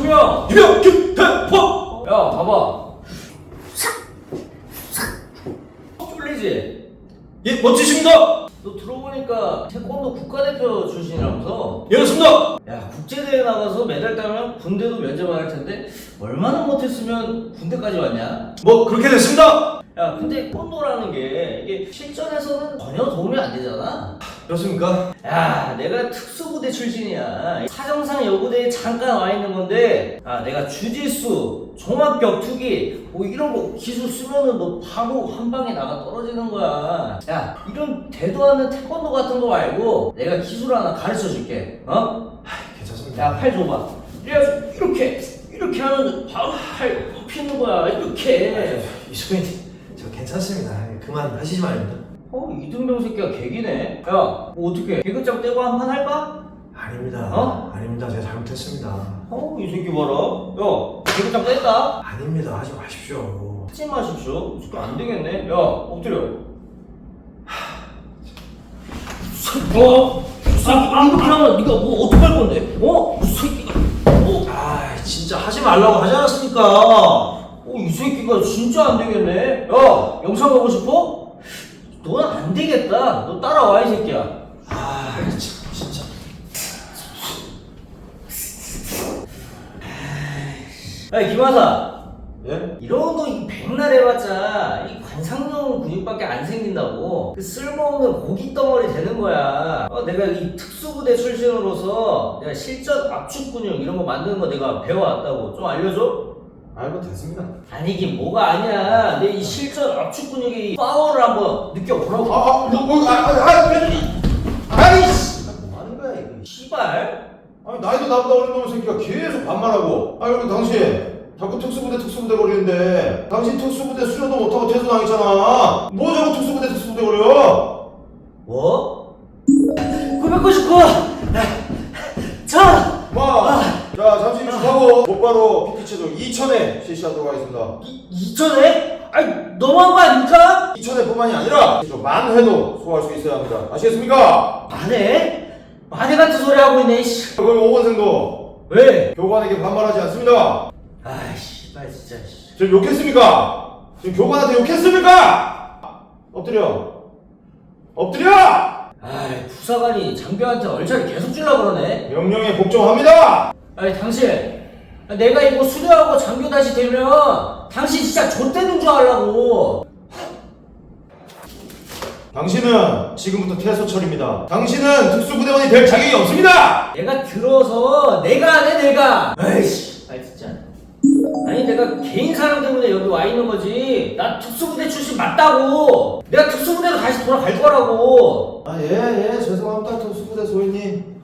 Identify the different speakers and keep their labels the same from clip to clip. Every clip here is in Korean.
Speaker 1: 투명
Speaker 2: 이병 김태포.
Speaker 1: 야 봐봐 쫄리지?
Speaker 2: 예, 멋지십니다.
Speaker 1: 너 들어보니까 태권도 국가대표 출신이라면서?
Speaker 2: 예, 그렇습니다.
Speaker 1: 야 국제대회 나가서 메달 따면 군대도 면제만 할 텐데 얼마나 못했으면 군대까지 왔냐?
Speaker 2: 뭐 그렇게 됐습니다.
Speaker 1: 야 근데 태권도라는 게 이게 실전에서는 전혀 도움이 안 되잖아.
Speaker 2: 그렇습니까?
Speaker 1: 야 내가 특수부대 출신이야. 사정상 여부대에 잠깐 와 있는 건데 내가 주짓수, 종합격투기 뭐 이런 거 기술 쓰면은 너 바로 한 방에 나가 떨어지는 거야. 야 이런 대도 않는 태권도 같은 거 말고 내가 기술 하나 가르쳐 줄게. 어?
Speaker 2: 괜찮습니다.
Speaker 1: 야 팔 줘봐. 이렇게 하면 바로 팔 굽히는 거야. 이렇게.
Speaker 2: 이수빈님, 저 괜찮습니다. 그만 하시지 말입니다.
Speaker 1: 이등병 새끼가 개기네. 야, 뭐 어떻게 개그장 떼고 한 판 할까?
Speaker 2: 아닙니다.
Speaker 1: 어?
Speaker 2: 아닙니다. 제가 잘못했습니다.
Speaker 1: 이 새끼 봐라. 야, 개그장 뗐다?
Speaker 2: 아닙니다. 하지 마십시오.
Speaker 1: 하지 마십시오. 이 새끼 안 되겠네. 야, 엎드려. 이렇게 하면 네가 뭐 어떡할 건데? 이 새끼가.
Speaker 2: 진짜 하지 말라고 하지 않았습니까?
Speaker 1: 이 새끼가 진짜 안 되겠네. 야, 영상 보고 싶어? 너는 안 되겠다. 너 따라와, 이 새끼야.
Speaker 2: 참, 진짜.
Speaker 1: 야, 김하사.
Speaker 2: 예?
Speaker 1: 이런 거 백날 해봤자 이 관상용 근육밖에 안 생긴다고. 그 쓸모없는 고기 덩어리 되는 거야. 내가 이 특수부대 출신으로서 내가 실전 압축 근육 이런 거 만드는 거 내가 배워왔다고. 좀 알려줘?
Speaker 2: 알고 됐습니다.
Speaker 1: 아니긴 뭐가 아니야. 내 이 실전 압축 근육의 이 파워를 한번 느껴보라고.
Speaker 2: 아이씨! 뭐 하는 거야, 이거?
Speaker 1: 씨발.
Speaker 3: 아니 나이도 나보다 어린 놈의 새끼가 계속 반말하고. 그리고 당신 자꾸 특수부대 거리는데 당신 특수부대 수료도 못하고 퇴소당했잖아. 뭐 자꾸 특수부대 거려?
Speaker 1: 뭐? 999! 자!
Speaker 3: 자 잠시 휴식하고 곧바로 PT체조 2000회 실시하도록 하겠습니다.
Speaker 1: 2천에? 아니 너무한 거 아닙니까?
Speaker 3: 2000회뿐만이 아니라 만 회도 소화할 수 있어야 합니다. 아시겠습니까?
Speaker 1: 만에? 만에 같은 소리 하고 있네. 씨.
Speaker 3: 그럼 5번생도
Speaker 1: 왜?
Speaker 3: 교관에게 반말하지 않습니다.
Speaker 1: 씨발 진짜.
Speaker 3: 지금 욕했습니까? 지금 교관한테 욕했습니까? 엎드려!
Speaker 1: 부사관이 장교한테 얼차리 계속 주려고 그러네.
Speaker 3: 명령에 복종합니다!
Speaker 1: 당신 내가 이거 수료하고 장교 다시 되면 당신 진짜 좆되는 줄 알라고.
Speaker 3: 당신은 지금부터 퇴소철입니다. 당신은 특수부대원이 될 자격이 없습니다!
Speaker 1: 내가 들어서 내가 안 해 내가. 아이씨 진짜. 아니 내가 개인 사랑 때문에 여기 와 있는 거지. 나 특수부대 출신 맞다고. 내가 특수부대로 다시 돌아갈 거라고.
Speaker 3: 예, 죄송합니다, 특수부대 소위님.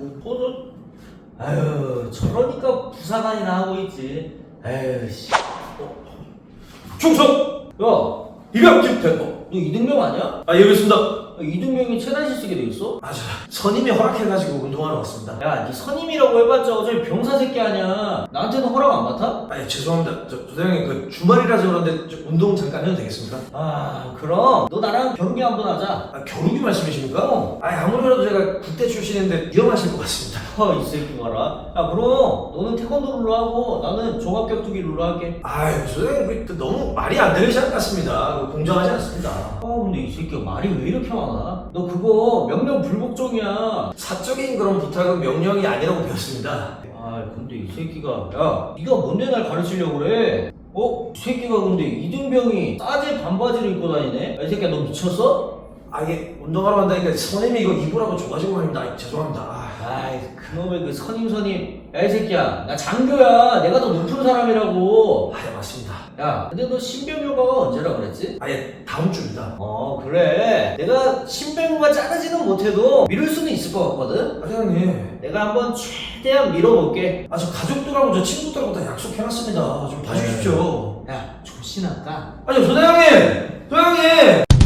Speaker 1: 저러니까 부사관이나 하고 있지. 씨.
Speaker 2: 충성!
Speaker 1: 야,
Speaker 2: 이병 김태포.
Speaker 1: 너 이등병 아니야?
Speaker 2: 예, 그렇습니다.
Speaker 1: 이등병이 최단실 쓰게 돼 있어?
Speaker 2: 선임이 허락해가지고 운동하러 왔습니다.
Speaker 1: 야, 네 선임이라고 해봤자 어차피 병사 새끼 아니야. 나한테는 허락 안 받아?
Speaker 2: 죄송합니다. 조대장님, 주말이라서 그런데 운동 잠깐 해도 되겠습니까?
Speaker 1: 그럼 너 나랑 겨루기 한번 하자.
Speaker 2: 겨루기 말씀이십니까? 아무래도 제가 국대 출신인데 위험하실 것 같습니다.
Speaker 1: 이 새끼 봐라. 그럼 너는 태권도 룰로 하고 나는 종합격투기 룰로 할게.
Speaker 2: 조대장님, 너무 말이 안 되시지 않습니다. 공정하지 않습니다.
Speaker 1: 근데 이 새끼가 말이 왜 이렇게 많아? 너 그거 명령 불복종이야.
Speaker 2: 사적인 그런 부탁은 명령이 아니라고 배웠습니다.
Speaker 1: 근데 이 새끼가 네가 뭔데 날 가르치려고 그래? 이 새끼가 근데 이등병이 싸제 반바지를 입고 다니네? 이 새끼야 너 미쳤어?
Speaker 2: 이게 운동하러 간다니까 선임이 이거 입으라고 줘가지고 말입니다. 죄송합니다.
Speaker 1: 그놈의 그 선임. 이 새끼야 나 장교야. 내가 더 높은 사람이라고.
Speaker 2: 맞습니다.
Speaker 1: 근데 너 신병효과가 언제라 그랬지?
Speaker 2: 다음 주입니다.
Speaker 1: 그래. 내가 신병효가 자르지는 못해도 미룰 수는 있을 것 같거든?
Speaker 2: 사장님.
Speaker 1: 내가 한번 최대한 밀어볼게.
Speaker 2: 저 가족들하고 저 친구들하고 다 약속해놨습니다. 좀 봐주십시오.
Speaker 1: 조신할까?
Speaker 2: 소대장님!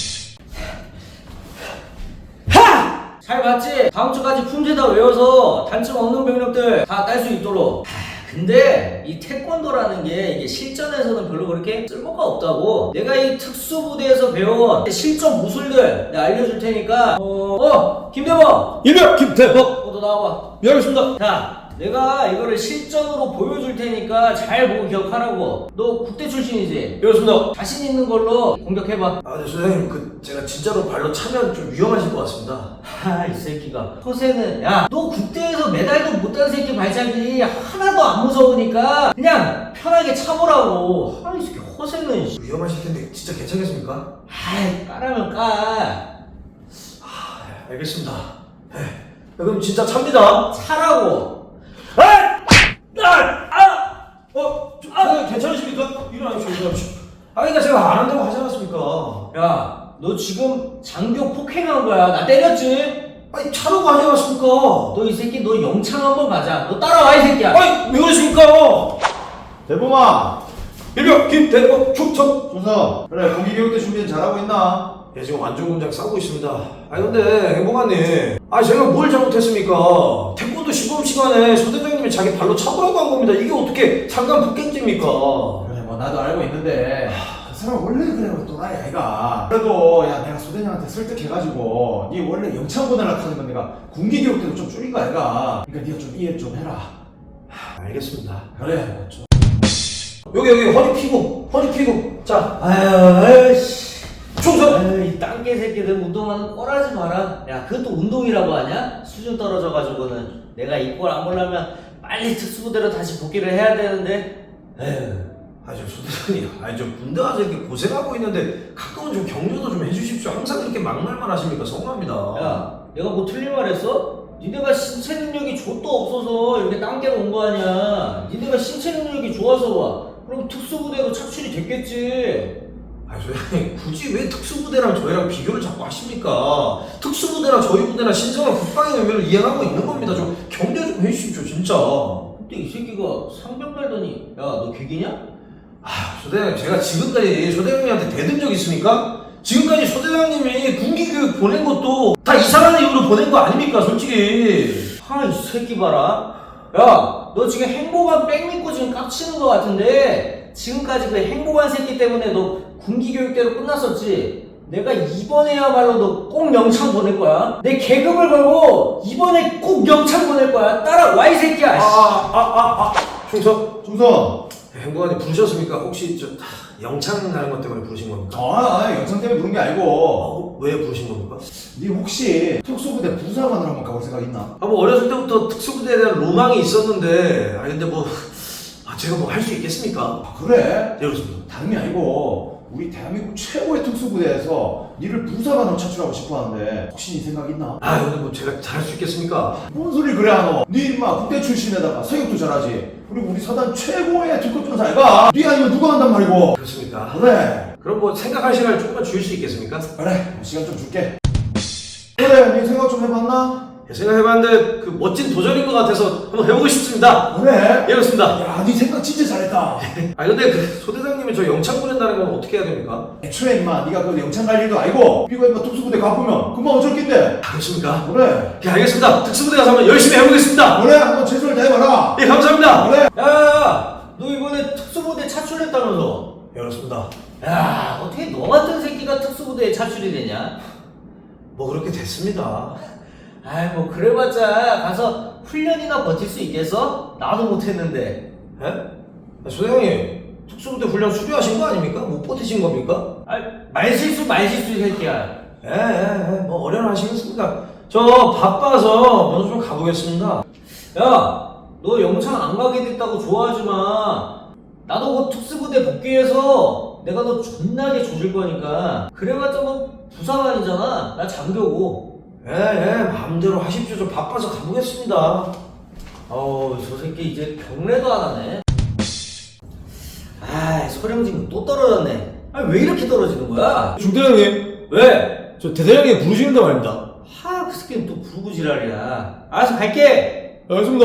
Speaker 1: 잘 봤지? 다음 주까지 품제 다 외워서 단점 없는 병력들 다 딸 수 있도록. 근데 이 태권도라는 게 이게 실전에서는 별로 그렇게 쓸모가 없다고. 내가 이 특수부대에서 배운 실전 무술들 내가 알려줄 테니까 김대범!
Speaker 2: 이병 김태포!
Speaker 1: 너 나와봐.
Speaker 2: 예, 알겠습니다.
Speaker 1: 자, 내가 이거를 실전으로 보여줄 테니까 잘 보고 기억하라고. 너 국대 출신이지?
Speaker 2: 그렇습니다.
Speaker 1: 자신 있는 걸로 공격해봐.
Speaker 2: 아, 네, 소장님, 제가 진짜로 발로 차면 좀 위험하실 것 같습니다.
Speaker 1: 이 새끼가. 허세는, 야, 너 국대에서 메달도 못 딴 새끼 발작이 하나도 안 무서우니까 그냥 편하게 차보라고. 이 새끼 허세는.
Speaker 2: 위험하실 텐데 진짜 괜찮겠습니까?
Speaker 1: 까라면 까.
Speaker 2: 알겠습니다. 네, 그럼 진짜 찹니다.
Speaker 1: 차라고.
Speaker 2: 소장님 괜찮으십니까? 일어나십시오. 그러니까 제가 안 한다고 하지 않았습니까?
Speaker 1: 야, 너 지금 장교 폭행한 거야. 나 때렸지?
Speaker 2: 아니, 차라고 하지 않았습니까?
Speaker 1: 너 이 새끼 너 영창 한번 가자. 너 따라와 이 새끼야.
Speaker 2: 아니, 왜 그러십니까?
Speaker 3: 대범아!
Speaker 2: 일병 김대범 충성.
Speaker 3: 준서, 그래 공기교육대 준비는 잘하고 있나?
Speaker 2: 예, 지금 완전 공장 싸고 있습니다. 아니 근데 행복한님, 제가 뭘 잘못했습니까? 태권도 시범 시간에 소대장님이 자기 발로 차보라고 한 겁니다. 이게 어떻게 상관 폭행죄입니까?
Speaker 3: 그래 뭐 나도 알고 있는데 그 사람 원래 그래 또라이 아이가. 그래도 야 내가 소대장한테 설득해가지고 네 원래 영창 보내려고 하는 건 내가 군기교육대도 좀 줄인 거 아이가. 그러니까 네가 좀 이해 좀 해라.
Speaker 2: 알겠습니다.
Speaker 3: 그래 뭐 좀.
Speaker 2: 여기 허리 피고. 자,
Speaker 1: 아유,
Speaker 2: 충성.
Speaker 1: 아유, 이 땅개 새끼들 운동하는 꼴하지 마라. 야, 그것도 운동이라고 하냐? 수준 떨어져가지고는. 내가 이 꼴 안 보려면 빨리 특수부대로 다시 복귀를 해야 되는데. 에휴.
Speaker 2: 저 소대장님, 저 군대 가서 이렇게 고생하고 있는데 가끔은 좀 격려도 좀 해주십시오. 항상 그렇게 막말만 하십니까? 서운합니다.
Speaker 1: 야, 내가 뭐 틀린 말 했어? 니네가 신체 능력이 좆도 없어서 이렇게 땅개로 온 거 아니야. 니네가 신체 능력이 좋아서 와. 그럼 특수부대로 착출이 됐겠지.
Speaker 2: 소장님, 굳이 왜 특수부대랑 저희랑 비교를 자꾸 하십니까? 특수부대랑 저희 부대랑 신성한 국방의 의미를 이해하고 있는 겁니다. 좀 격려 좀 해주십시오, 진짜.
Speaker 1: 근데 이 새끼가 상병 달더니, 야, 너 개기냐?
Speaker 2: 소대장님, 제가 지금까지 소대장님한테 대든 적 있습니까? 지금까지 소대장님이 군기교육 보낸 것도 다 이상한 이유로 보낸 거 아닙니까, 솔직히?
Speaker 1: 이 새끼 봐라. 야, 너 지금 행복한 백 믿고 지금 깝치는 거 같은데, 지금까지 그 행복한 새끼 때문에 너 군기교육대로 끝났었지? 내가 이번에야말로 너 꼭 영창 보낼 거야. 내 계급을 걸고 이번에 꼭 영창 보낼 거야. 따라와 이 새끼야.
Speaker 2: 충성.
Speaker 3: 준서.
Speaker 2: 행복한님 부르셨습니까? 혹시 영창 가는 것 때문에 부르신 겁니까?
Speaker 3: 영창 때문에 부른 게 아니고
Speaker 2: 왜 부르신 겁니까?
Speaker 3: 네 혹시 특수부대 부사관으로 한번 가볼 생각 있나?
Speaker 2: 뭐 어렸을 때부터 특수부대에 대한 로망이 있었는데 근데 제가 뭐 할 수 있겠습니까?
Speaker 3: 그래?
Speaker 2: 네, 그렇습니다.
Speaker 3: 다름이 아니고 우리 대한민국 최고의 특수부대에서 니를 부사관으로 차출하고 싶어 하는데 혹시 네 생각 있나?
Speaker 2: 근데 뭐 제가 잘할 수 있겠습니까?
Speaker 3: 뭔 소리 그래 하노? 니 인마 국대 출신에다가 사격도 잘하지. 그리고 우리 사단 최고의 특급전사 아이가? 니 아니면 누가 한단 말이고?
Speaker 2: 그렇습니까?
Speaker 3: 그래.
Speaker 2: 그럼 뭐 생각할 시간을 조금만 주실 수 있겠습니까?
Speaker 3: 그래. 시간 좀 줄게. 그래. 니 생각 좀 해봤나?
Speaker 2: 생각해봤는데 멋진 도전인 것 같아서 한번 해보고 싶습니다.
Speaker 3: 그래.
Speaker 2: 예, 그렇습니다.
Speaker 3: 야, 니 생각 진짜 잘했다.
Speaker 2: 근데 소대장님이 저 영창 보낸다는 건 어떻게 해야 됩니까?
Speaker 3: 애초에 인마 니가 그 영창 갈 일도 아니고 니가 인마 특수부대 가보면 금방 어쩔 낀데.
Speaker 2: 그렇습니까?
Speaker 3: 그래.
Speaker 2: 예, 알겠습니다. 특수부대 가서 한번 열심히 해보겠습니다.
Speaker 3: 그래. 한번 최선을 다해봐라.
Speaker 2: 예, 감사합니다.
Speaker 3: 그래.
Speaker 1: 야, 너 이번에 특수부대 차출했다면서?
Speaker 2: 예, 그렇습니다.
Speaker 1: 야, 어떻게 너 같은 새끼가 특수부대에 차출이 되냐?
Speaker 2: 뭐 그렇게 됐습니다.
Speaker 1: 뭐 그래봤자 가서 훈련이나 버틸 수 있겠어? 나도 못했는데.
Speaker 2: 예? 소대장님, 특수부대 훈련 수료하신 거 아닙니까? 못 버티신 겁니까?
Speaker 1: 말실수 이 새끼야.
Speaker 2: 뭐 어련하시겠습니까? 저 바빠서 먼저 좀 가보겠습니다.
Speaker 1: 야, 너 영창 안 가게 됐다고 좋아하지 마. 나도 그 특수부대 복귀해서 내가 너 존나게 조질 거니까. 그래봤자 뭐 부사관이잖아. 나 장교고.
Speaker 2: 마음대로 하십시오. 좀 바빠서 가보겠습니다.
Speaker 1: 저 새끼 이제 경례도 안 하네. 소령진급 또 떨어졌네. 왜 이렇게 떨어지는 거야?
Speaker 2: 중대장님,
Speaker 1: 왜?
Speaker 2: 저 대대장님 부르시는데 말입니다.
Speaker 1: 그 새끼는 또 부르고 지랄이야. 알았어, 갈게.
Speaker 2: 알겠습니다.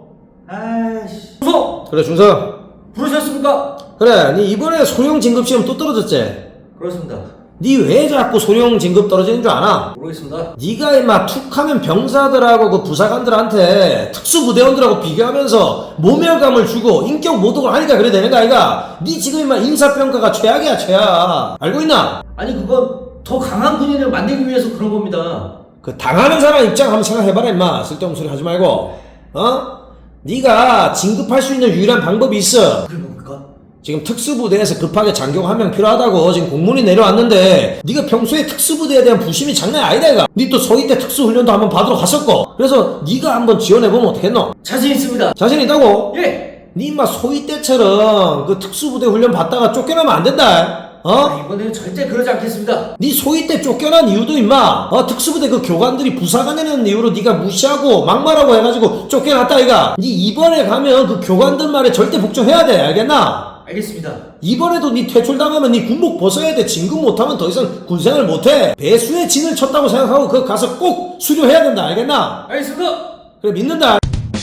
Speaker 1: 무서!
Speaker 2: 그래, 중상.
Speaker 1: 부르셨습니까?
Speaker 2: 그래, 니 이번에 소령 진급 시험 또 떨어졌지?
Speaker 1: 그렇습니다.
Speaker 2: 니 왜 자꾸 소령 진급 떨어지는 줄 아나?
Speaker 1: 모르겠습니다.
Speaker 2: 니가 임마 툭하면 병사들하고 그 부사관들한테 특수부대원들하고 비교하면서 모멸감을 주고 인격 모독을 하니까 그래 되는 거 아이가? 니 지금 임마 인사평가가 최악이야, 최악. 알고 있나?
Speaker 1: 아니, 그건 더 강한 군인을 만들기 위해서 그런 겁니다.
Speaker 2: 그 당하는 사람 입장 한번 생각해봐라 임마. 쓸데없는 소리 하지 말고. 네가 진급할 수 있는 유일한 방법이 있어.
Speaker 1: 그게 뭡니까?
Speaker 2: 지금 특수부대에서 급하게 장교 한 명 필요하다고 지금 공문이 내려왔는데 네가 평소에 특수부대에 대한 부심이 장난 아니다 이가. 네 또 소위 때 특수훈련도 한번 받으러 갔었고. 그래서 네가 한번 지원해보면 어떻겠노?
Speaker 1: 자신 있습니다.
Speaker 2: 자신 있다고?
Speaker 1: 예.
Speaker 2: 네 인마 소위 때처럼 그 특수부대 훈련 받다가 쫓겨나면 안 된다. 어?
Speaker 1: 이번에는 절대 그러지 않겠습니다.
Speaker 2: 네 소위 때 쫓겨난 이유도 임마 특수부대 그 교관들이 부사관이라는 이유로 네가 무시하고 막말하고 해가지고 쫓겨났다 이가. 네 이번에 가면 그 교관들 말에 절대 복종해야 돼. 알겠나?
Speaker 1: 알겠습니다.
Speaker 2: 이번에도 네 퇴출당하면 네 군복 벗어야 돼. 진급 못하면 더 이상 군생활 못해. 배수의 진을 쳤다고 생각하고 그거 가서 꼭 수료해야 된다. 알겠나?
Speaker 1: 알겠습니다.
Speaker 2: 그래 믿는다.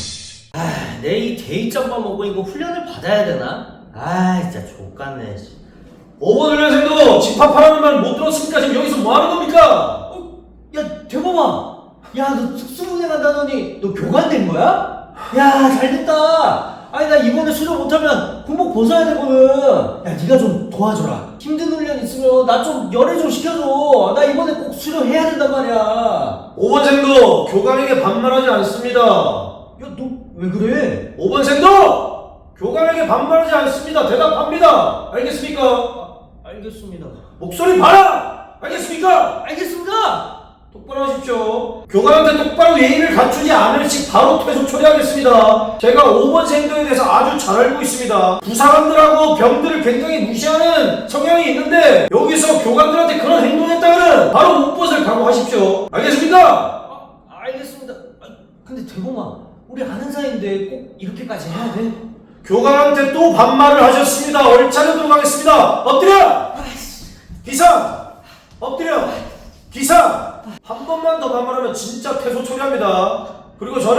Speaker 1: 내 이 대입장만 먹고 이거 훈련을 받아야 되나? 진짜 족같네.
Speaker 2: 5번 훈련생도 집합하라는 말 못 들었으니까 지금 여기서 뭐 하는 겁니까?
Speaker 1: 야, 대범아. 야, 너 특수부대 간다더니 너 교관 된 거야? 야, 잘됐다. 아니, 나 이번에 수료 못하면 군복 벗어야 되거든. 야, 네가 좀 도와줘라. 힘든 훈련 있으면 나 좀 열애 좀 시켜줘. 나 이번에 꼭 수료해야 된단 말이야.
Speaker 2: 5번생도 교관에게 반말하지 않습니다.
Speaker 1: 야, 너 왜 그래?
Speaker 2: 5번생도 교관에게 반말하지 않습니다. 대답합니다. 알겠습니까?
Speaker 1: 알겠습니다.
Speaker 2: 목소리 봐라! 알겠습니까?
Speaker 1: 알겠습니다.
Speaker 2: 똑바로 하십시오. 교관한테 똑바로 예의를 갖추지 않을 시 바로 퇴소 처리하겠습니다. 제가 5번생도에 대해서 아주 잘 알고 있습니다. 부사관들하고 병들을 굉장히 무시하는 성향이 있는데 여기서 교관들한테 그런 행동했다면 바로 못벗을 각오하십시오. 알겠습니까?
Speaker 1: 알겠습니다. 근데 대범아, 우리 아는 사이인데 꼭 이렇게까지 해야 돼?
Speaker 2: 교관한테 또 반말을 하셨습니다. 얼차려도록 하겠습니다. 엎드려! 기상! 엎드려! 기상! 한 번만 더 반말하면 진짜 퇴소 처리합니다. 그리고 저는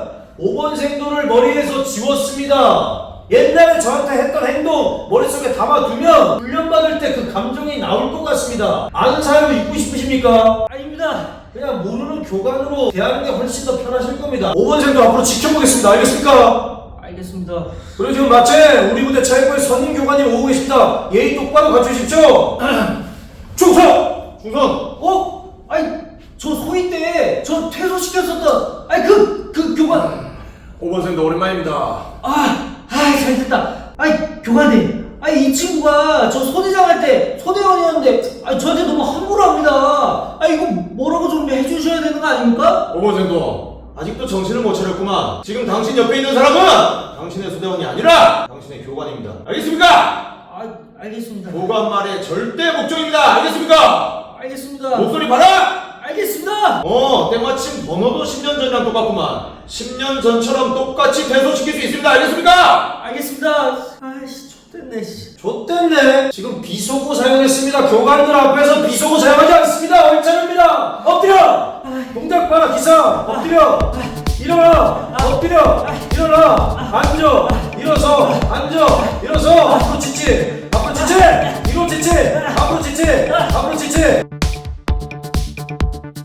Speaker 2: 5번생도를 머리에서 지웠습니다. 옛날에 저한테 했던 행동 머릿속에 담아두면 훈련받을 때 그 감정이 나올 것 같습니다. 아는 사이로 있고 싶으십니까?
Speaker 1: 아닙니다.
Speaker 2: 그냥 모르는 교관으로 대하는 게 훨씬 더 편하실 겁니다. 5번생도 앞으로 지켜보겠습니다. 알겠습니까?
Speaker 1: 알겠습니다.
Speaker 2: 그리고 지금 마침 우리 부대 차입부에 선임 교관님 오고 계십니다. 예의 똑바로 갖추십시오. 충성!
Speaker 1: 중선. 아니, 저 소위 때 저 퇴소시켰었던 그 교관.
Speaker 3: 5번생도 오랜만입니다.
Speaker 1: 잘됐다. 교관님. 이 친구가 저 소대장 할 때 소대원이었는데 저한테 너무 함부로 합니다. 이거 뭐라고 좀 해주셔야 되는 거 아닙니까?
Speaker 3: 5번생도 아직도 정신을 못 차렸구만. 지금 당신 옆에 있는 사람은 당신의 소대원이 아니라 당신의 교관입니다. 알겠습니까?
Speaker 1: 알겠습니다.
Speaker 3: 교관 말에 절대 복종입니다. 알겠습니까?
Speaker 1: 알겠습니다.
Speaker 3: 목소리 봐라!
Speaker 1: 알겠습니다.
Speaker 3: 때마침 번호도 10년 전이랑 똑같구만. 10년 전처럼 똑같이 퇴소시킬 수 있습니다. 알겠습니까?
Speaker 1: 알겠습니다. 좆됐네.
Speaker 2: 좆됐네. 지금 비속어 사용했습니다. 교관들 앞에서 비속어 사용하지 않습니다. 얼차려입니다. 엎드려! 동작 봐라 기사. 엎드려. 일어나. 엎드려. 일어나. 앉아. 일어서. 앉아.